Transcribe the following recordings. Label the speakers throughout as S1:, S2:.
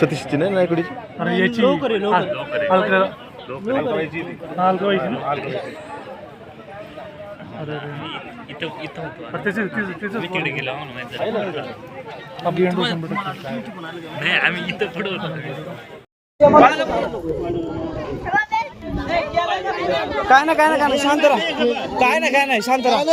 S1: सतीशची नाही नायकुडीची.
S2: अरे याची
S3: आम्ही इथं पुढे
S4: काय ना शांत राहा. काय नाही शांत राहा.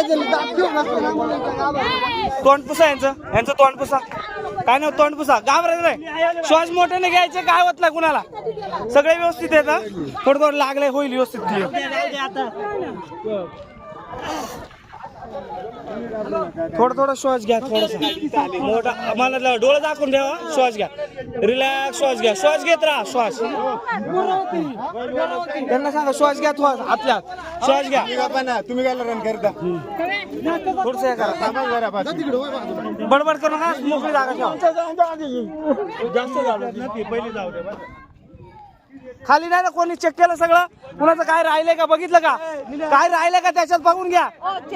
S4: तोंड पुसा यांचं तोंड पुसा. काय नाही तोंड पुसा. घाबरायचं नाही. श्वास मोठ्याने घ्यायचे. काय होत नाही कुणाला. सगळे व्यवस्थित येतं. थोडं लागले होईल व्यवस्थित. थोडा श्वास घ्या. थोडासा मोठा मला डोळे दाखवून ठेवा. श्वास घ्या. रिलॅक्स श्वास घ्या. श्वास घेत राहा. श्वास त्यांना सांगा श्वास घ्या. आतल्या श्वास घ्या.
S1: तुम्ही काय रन करता
S4: थोडस हे करा. बडबड करू नका. मोकळी जागा ठेवा. खाली नाही ना कोणी चेक केलं सगळं. कुणाचं काय राहिलंय का बघितलं का. काय राहिलंय का त्याच्यात बघून घ्या.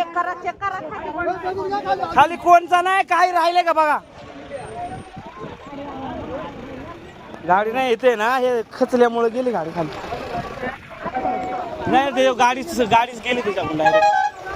S4: खाली कोणचा नाही. काय राहिलंय का बघा. गाडी नाही येते ना. हे खचल्यामुळे गेली गाडी खाली. नाही ते गाडीच गेली त्याच्याकडून डायरेक्ट.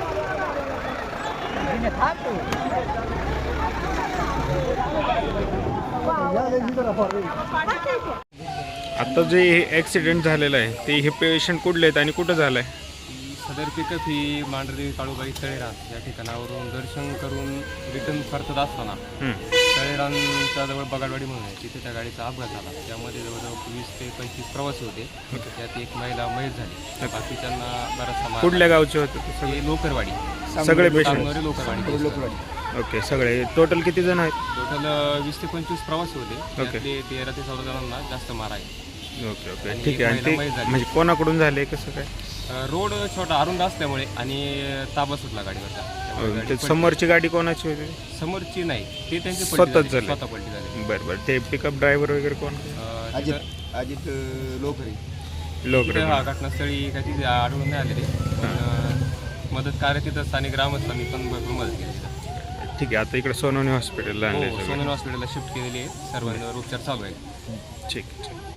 S5: आता जे ॲक्सिडेंट झालेलं आहे ते हे पेशंट कुठले आहेत आणि कुठं झालं आहे.
S6: सदर पिकअप ही मांढरी काळूबाई तळेरान या ठिकाणावरून दर्शन करून रिटर्न करत असताना तळेरानच्या जवळ बगाडवाडी म्हणून आहे तिथे त्या गाडीचा अपघात झाला. त्यामध्ये जवळजवळ 20 ते 25 प्रवासी होते. त्यात एक महिला मयत झाली. बाकीच्यांना बराचसा
S5: कुठल्या गावचे होते
S6: सगळे लोकरवाडी
S5: सगळे पेशंट.
S6: लोकरवाडी.
S5: ओके सगळे टोटल किती जण आहेत.
S6: टोटल 20 ते 25 प्रवासी होते. त्यातले 13 ते 14 जणांना जास्त मार आहे.
S5: ओके ओके ठीक आहे. आणि ते म्हणजे कोणाकडून झाले कसं काय.
S6: रोड छोटा अरुंद असल्यामुळे आणि ताबा सुटला गाडीवरचा.
S5: समोरची गाडी कोणाची होती.
S6: समोरची नाही ते त्यांची
S5: स्वतः पलटी
S6: झाली.
S5: बरं ते पिकअप ड्रायव्हर वगैरे कोण.
S1: अजित लोकरे.
S6: हा घटनास्थळी काही तिथे आढळून नाही आलेले. मदत कार्य तिथं स्थानिक ग्रामस्थांनी पण भरपूर मदत केली.
S5: ठीक आहे. आता इकडे सोनवणे हॉस्पिटलला आणले.
S6: सोनवणे हॉस्पिटलला शिफ्ट केलेली आहे. सर्वांवर उपचार चालू आहे.
S5: ठीक आहे.